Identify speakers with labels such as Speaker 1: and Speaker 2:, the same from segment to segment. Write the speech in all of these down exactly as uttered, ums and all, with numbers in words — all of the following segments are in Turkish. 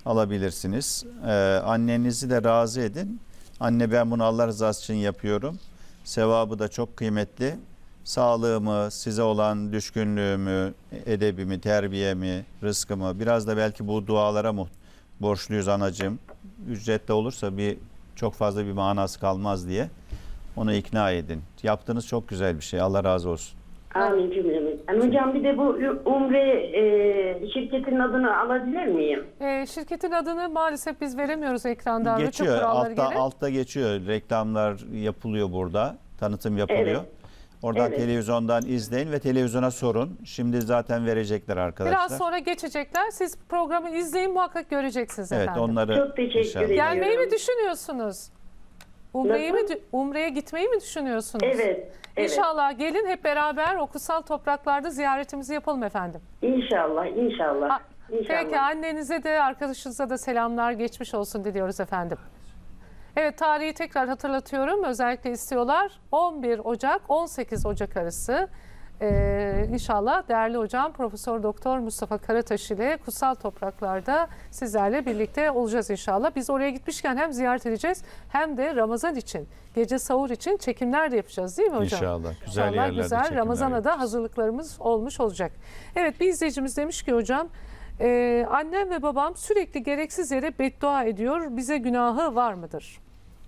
Speaker 1: alabilirsiniz. Ee, annenizi de razı edin. Anne, ben bunu Allah rızası için yapıyorum. Sevabı da çok kıymetli. Sağlığımı, size olan düşkünlüğümü, edebimi, terbiyemi, rızkımı, biraz da belki bu dualara mu borçluyuz anacığım. Ücretli olursa bir çok fazla bir manası kalmaz diye onu ikna edin. Yaptığınız çok güzel bir şey. Allah razı olsun.
Speaker 2: Amin cümlemiz. Yani hocam bir de bu Umre e, şirketin adını alabilir miyim?
Speaker 3: E, şirketin adını maalesef biz veremiyoruz ekranda. Rütük
Speaker 1: Geçiyor.
Speaker 3: kuralları
Speaker 1: Altta,
Speaker 3: gereği.
Speaker 1: altta geçiyor. Reklamlar yapılıyor burada. Tanıtım yapılıyor.
Speaker 2: Evet.
Speaker 1: Oradan
Speaker 2: Evet.
Speaker 1: televizyondan izleyin ve televizyona sorun. Şimdi zaten verecekler arkadaşlar.
Speaker 3: Biraz sonra geçecekler. Siz programı izleyin, muhakkak göreceksiniz
Speaker 1: Evet,
Speaker 3: efendim.
Speaker 1: onları
Speaker 2: Çok teşekkür
Speaker 1: inşallah.
Speaker 2: ederim.
Speaker 3: Gelmeyi mi düşünüyorsunuz? Umre'yi mi,
Speaker 2: Nasıl?
Speaker 3: Umre'ye gitmeyi mi düşünüyorsunuz?
Speaker 2: Evet. Evet.
Speaker 3: İnşallah gelin, hep beraber o kutsal topraklarda ziyaretimizi yapalım efendim.
Speaker 2: İnşallah, inşallah.
Speaker 3: Ha,
Speaker 2: İnşallah.
Speaker 3: Peki, annenize de arkadaşınıza da selamlar, geçmiş olsun diliyoruz efendim. Evet, tarihi tekrar hatırlatıyorum. Özellikle istiyorlar. on bir Ocak on sekiz Ocak arası ee, inşallah değerli hocam Profesör Doktor Mustafa Karataş ile kutsal topraklarda sizlerle birlikte olacağız inşallah. Biz oraya gitmişken hem ziyaret edeceğiz hem de Ramazan için, gece sahur için çekimler de yapacağız, değil mi hocam?
Speaker 1: İnşallah. Güzel
Speaker 3: İnşallah
Speaker 1: yerlerde
Speaker 3: güzel.
Speaker 1: çekimler
Speaker 3: Ramazan'a da
Speaker 1: yapacağız.
Speaker 3: hazırlıklarımız olmuş olacak. Evet, bir izleyicimiz demiş ki hocam, e, annem ve babam sürekli gereksiz yere beddua ediyor. Bize günahı var mıdır?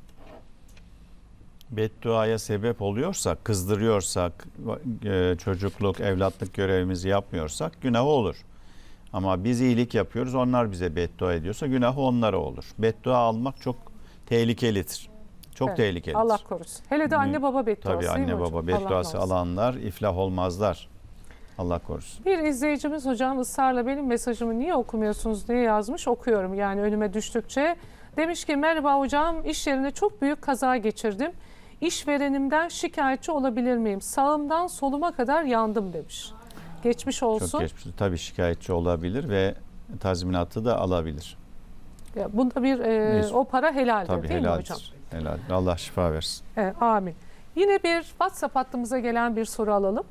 Speaker 1: Bedduaya sebep oluyorsak, kızdırıyorsak, e, çocukluk, evlatlık görevimizi yapmıyorsak günahı olur. Ama biz iyilik yapıyoruz, onlar bize beddua ediyorsa günahı onlara olur. Beddua almak çok tehlikelidir. Çok
Speaker 3: Evet,
Speaker 1: tehlikelidir.
Speaker 3: Allah korusun. Hele de anne baba bedduası.
Speaker 1: Tabii
Speaker 3: değil mi
Speaker 1: anne
Speaker 3: hocam?
Speaker 1: baba
Speaker 3: Allah
Speaker 1: bedduası
Speaker 3: korusun.
Speaker 1: alanlar iflah olmazlar. Allah korusun.
Speaker 3: Bir izleyicimiz hocam ısrarla benim mesajımı niye okumuyorsunuz diye yazmış. Okuyorum yani önüme düştükçe. Demiş ki merhaba hocam, iş yerinde çok büyük kaza geçirdim. İşverenimden şikayetçi olabilir miyim? Sağımdan soluma kadar yandım demiş. Geçmiş olsun.
Speaker 1: Çok geçmiş. Tabii şikayetçi olabilir ve tazminatı da alabilir.
Speaker 3: Ya bunda bir e,
Speaker 1: Neyse.
Speaker 3: o para helaldir
Speaker 1: Tabii
Speaker 3: değil mi
Speaker 1: helaldir.
Speaker 3: hocam?
Speaker 1: Helal. Allah şifa versin.
Speaker 3: Evet, amin. Yine bir WhatsApp hattımıza gelen bir soru alalım.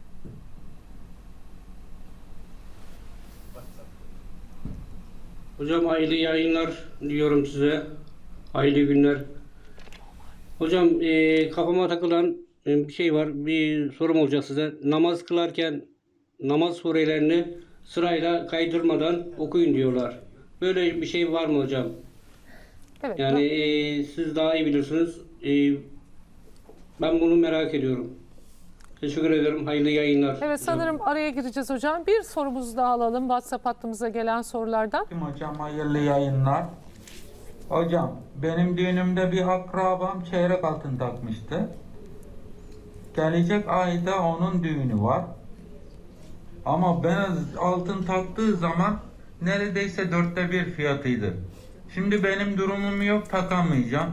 Speaker 4: Hocam hayırlı yayınlar diliyorum size. Hayırlı günler. Hocam e, kafama takılan e, bir şey var. Bir sorum olacak size. Namaz kılarken namaz surelerini sırayla kaydırmadan okuyun diyorlar. Böyle bir şey var mı hocam?
Speaker 3: Evet.
Speaker 4: Yani e, siz daha iyi bilirsiniz. E, ben bunu merak ediyorum. Teşekkür ederim. Hayırlı yayınlar.
Speaker 3: Evet, sanırım araya gireceğiz hocam. Bir sorumuzu daha alalım WhatsApp hattımıza gelen sorulardan.
Speaker 5: Hocam hayırlı yayınlar. Hocam benim düğünümde bir akrabam çeyrek altın takmıştı. Gelecek ayda onun düğünü var. Ama ben altın taktığı zaman neredeyse dörtte bir fiyatıydı. Şimdi benim durumum yok, takamayacağım.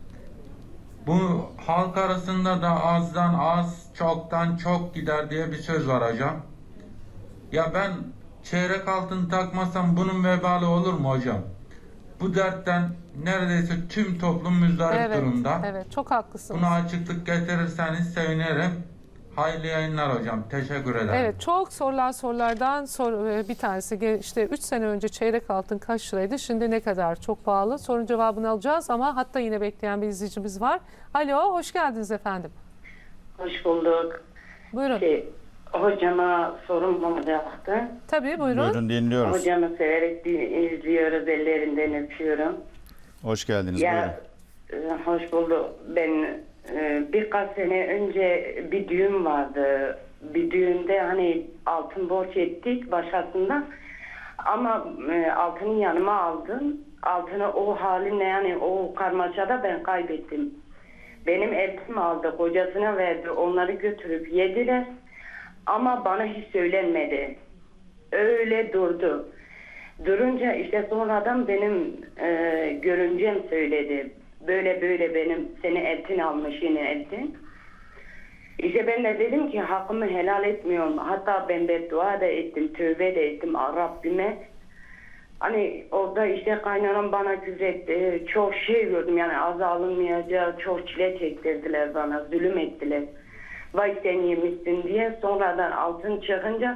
Speaker 5: Bu halk arasında da azdan az, çoktan çok gider diye bir söz var hocam. Ya ben çeyrek altın takmasam bunun vebali olur mu hocam? Bu dertten neredeyse tüm toplum müzdarip
Speaker 3: Evet,
Speaker 5: durumda.
Speaker 3: evet, çok haklısınız.
Speaker 5: Buna açıklık getirirseniz sevinirim. Hayırlı yayınlar hocam. Teşekkür ederim.
Speaker 3: Evet, çok sorulan sorulardan sor, bir tanesi işte üç sene önce çeyrek altın kaç liraydı, şimdi ne kadar? Çok pahalı. Sorun cevabını alacağız ama hatta yine bekleyen bir izleyicimiz var. Alo, hoş geldiniz efendim.
Speaker 2: Hoş bulduk.
Speaker 3: Buyurun.
Speaker 2: Şey, hocama sorum olacaktı.
Speaker 3: Tabii buyurun.
Speaker 1: Buyurun, dinliyoruz.
Speaker 2: Hocamı severek din- izliyoruz, ellerinden öpüyorum.
Speaker 1: Hoş geldiniz. Buyurun.
Speaker 2: Ya e, hoş bulduk. Ben e, birkaç sene önce bir düğün vardı. Bir düğünde hani altın borç ettik başkasından. Ama e, altını yanıma aldım. Altını o haline yani o karmaşada ben kaybettim. Benim eltim aldı, kocasına verdi. Onları götürüp yediler. Ama bana hiç söylenmedi. Öyle durdu. Durunca işte sonradan benim e, görümcem söyledi. Böyle böyle benim seni eltin almış yine eltin. İşte ben de dedim ki hakkımı helal etmiyorum. Hatta ben beddua da ettim, tövbe de ettim Rabbime. Hani orada işte kaynanam bana küfretti. Çok şey gördüm yani az alınmayacak, çok çile çektirdiler bana, zulüm ettiler. Vay sen yemişsin diye sonradan altın çıkınca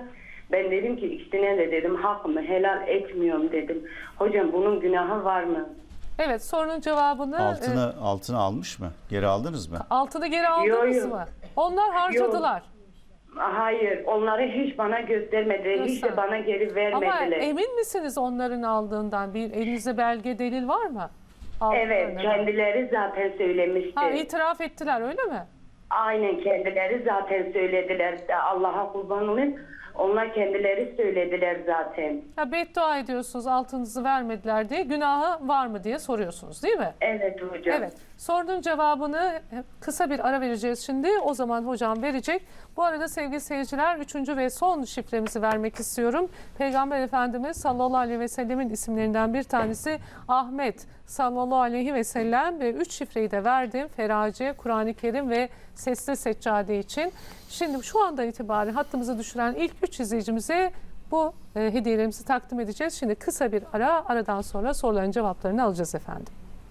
Speaker 2: Ben dedim ki ikisine de dedim hakkımı helal etmiyorum dedim. Hocam bunun günahı var mı?
Speaker 3: Evet, sorunun cevabını
Speaker 1: Altını
Speaker 3: e,
Speaker 1: altını almış mı? Geri aldınız mı?
Speaker 3: altını geri aldınız
Speaker 2: Yo, yo.
Speaker 3: mı? Onlar harcadılar.
Speaker 2: Hayır, onları hiç bana göstermediler, hiç de
Speaker 3: Göster.
Speaker 2: bana geri
Speaker 3: Ama
Speaker 2: vermediler.
Speaker 3: emin misiniz onların aldığından? Bir elinizde belge, delil var mı?
Speaker 2: Evet,
Speaker 3: Aldıklarına.
Speaker 2: kendileri zaten söylemişti.
Speaker 3: Ha, itiraf ettiler öyle mi?
Speaker 2: Aynen kendileri zaten söylediler. Allah'a kurban olayım. Onlar kendileri söylediler zaten.
Speaker 3: Ha, beddua ediyorsunuz altınızı vermediler diye, günahı var mı diye soruyorsunuz değil mi?
Speaker 2: Evet hocam.
Speaker 3: Evet. Sorunun cevabını kısa bir ara vereceğiz şimdi. O zaman hocam verecek. Bu arada sevgili seyirciler, üçüncü ve son şifremizi vermek istiyorum. Peygamber Efendimiz sallallahu aleyhi ve sellemin isimlerinden bir tanesi Ahmet sallallahu aleyhi ve sellem ve üç şifreyi de verdim. Ferace, Kur'an-ı Kerim ve Sesli Seccade için. Şimdi şu andan itibaren hattımızı düşüren ilk üç izleyicimize bu e, hediyelerimizi takdim edeceğiz. Şimdi kısa bir ara, aradan sonra soruların cevaplarını alacağız efendim.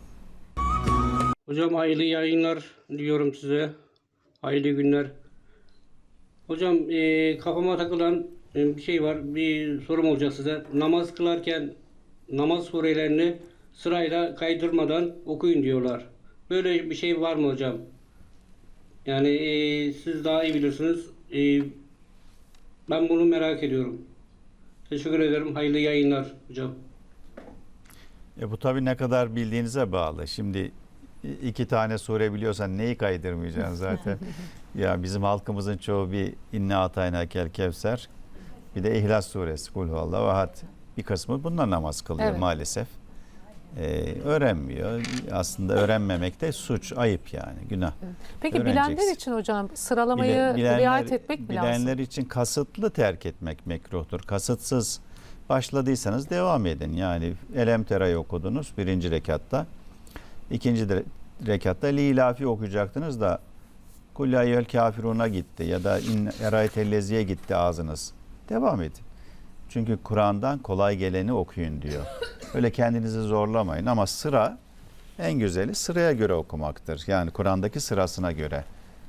Speaker 4: Hocam hayırlı yayınlar diliyorum size. Hayırlı günler. Hocam e, kafama takılan e, bir şey var. Bir sorum olacak size. Namaz kılarken namaz surelerini sırayla kaydırmadan okuyun diyorlar. Böyle bir şey var mı hocam? Yani e, siz daha iyi bilirsiniz. E, ben bunu merak ediyorum. Teşekkür ederim. Hayırlı yayınlar hocam.
Speaker 1: E bu tabii ne kadar bildiğinize bağlı. Şimdi iki tane sure biliyorsan neyi kaydırmayacaksın zaten. Ya bizim halkımızın çoğu bir inna atayna kel kevser, bir de İhlas suresi, kul huvallahu ahad. Bir kısmı bununla namaz kılıyor
Speaker 3: Evet.
Speaker 1: maalesef. Ee, öğrenmiyor. Aslında öğrenmemek de suç, ayıp yani, günah.
Speaker 3: Peki
Speaker 1: Öğreneceksin.
Speaker 3: bilenler için hocam sıralamayı
Speaker 1: Bile- bilenler-
Speaker 3: riayet etmek mi lazım?
Speaker 1: Bilenler için kasıtlı terk etmek mekruhtur. Kasıtsız başladıysanız devam edin. Yani Elem Tera'yı okudunuz birinci rekatta. İkinci de, rekatta Lilafi okuyacaktınız da Kul ya eyyuhel kafiruna gitti ya da İn eraytelleziye gitti ağzınız. Devam edin. Çünkü Kur'an'dan kolay geleni okuyun diyor. Öyle kendinizi zorlamayın ama sıra en güzeli sıraya göre okumaktır. Yani Kur'an'daki sırasına göre.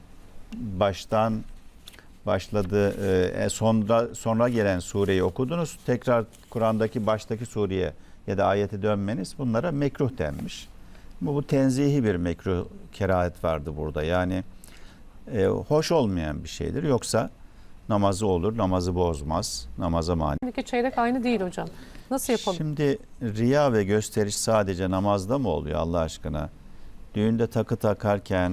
Speaker 1: Baştan başladı e, sonra sonra gelen sureyi okudunuz. Tekrar Kur'an'daki baştaki sureye ya da ayete dönmeniz bunlara mekruh denmiş. Bu, bu tenzihi bir mekruh kerahet vardı burada. Yani e, hoş olmayan bir şeydir. Yoksa namazı olur, namazı bozmaz, namaza mani.
Speaker 3: Şimdiki çeyrek aynı değil hocam. Nasıl yapalım?
Speaker 1: Şimdi riya ve gösteriş sadece namazda mı oluyor Allah aşkına? Düğünde takı takarken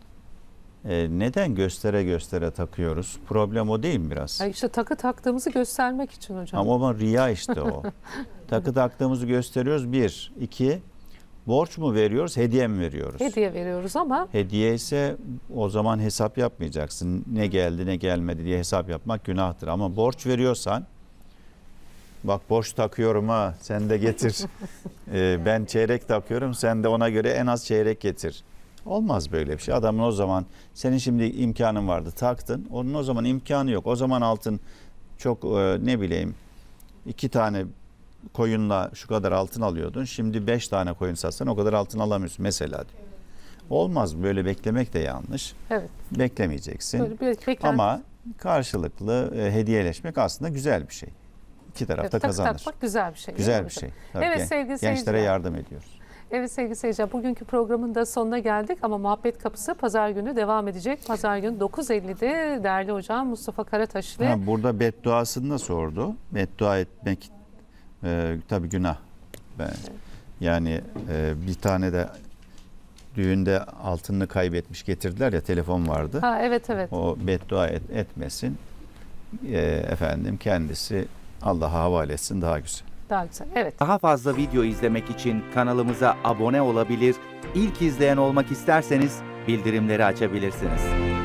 Speaker 1: e, neden göstere göstere takıyoruz? Problem o değil mi biraz?
Speaker 3: Ay işte takı taktığımızı göstermek için hocam.
Speaker 1: Ama o riya işte o. Takı taktığımızı gösteriyoruz bir. İki, borç mu veriyoruz, hediye mi veriyoruz?
Speaker 3: Hediye veriyoruz ama
Speaker 1: Hediye ise o zaman hesap yapmayacaksın. Ne geldi ne gelmedi diye hesap yapmak günahtır. Ama borç veriyorsan, bak borç takıyorum ha sen de getir. Ee, ben çeyrek takıyorum sen de ona göre en az çeyrek getir. Olmaz böyle bir şey. Adamın o zaman senin şimdi imkanın vardı taktın. Onun o zaman imkanı yok. O zaman altın çok e, ne bileyim iki tane koyunla şu kadar altın alıyordun. Şimdi beş tane koyun satsan o kadar altın alamıyorsun mesela diyor. Olmaz, böyle beklemek de yanlış.
Speaker 3: evet.
Speaker 1: Beklemeyeceksin.
Speaker 3: Böyle bir beklenti.
Speaker 1: Ama karşılıklı e, hediyeleşmek aslında güzel bir şey. İki taraf
Speaker 3: Evet,
Speaker 1: da
Speaker 3: takı
Speaker 1: kazanır.
Speaker 3: takmak güzel bir şey. değil
Speaker 1: Güzel
Speaker 3: mi
Speaker 1: bir
Speaker 3: hocam?
Speaker 1: şey. Tabii
Speaker 3: Evet
Speaker 1: ki.
Speaker 3: sevgili
Speaker 1: Gençlere
Speaker 3: seyirciler.
Speaker 1: yardım ediyoruz.
Speaker 3: Evet sevgili seyirciler, bugünkü programın da sonuna geldik ama Muhabbet Kapısı pazar günü devam edecek. Pazar günü dokuz ellide değerli hocam Mustafa Karataş ile
Speaker 1: Ha, burada bedduasını da sordu. Beddua etmek e, tabii günah. Ben, yani e, bir tane de düğünde altınını kaybetmiş getirdiler ya, telefon vardı.
Speaker 3: ha, evet evet.
Speaker 1: O beddua et, etmesin. E, efendim kendisi Allah'a havale etsin, daha güzel.
Speaker 3: Daha güzel. Evet.
Speaker 6: Daha fazla video izlemek için kanalımıza abone olabilir, ilk izleyen olmak isterseniz bildirimleri açabilirsiniz.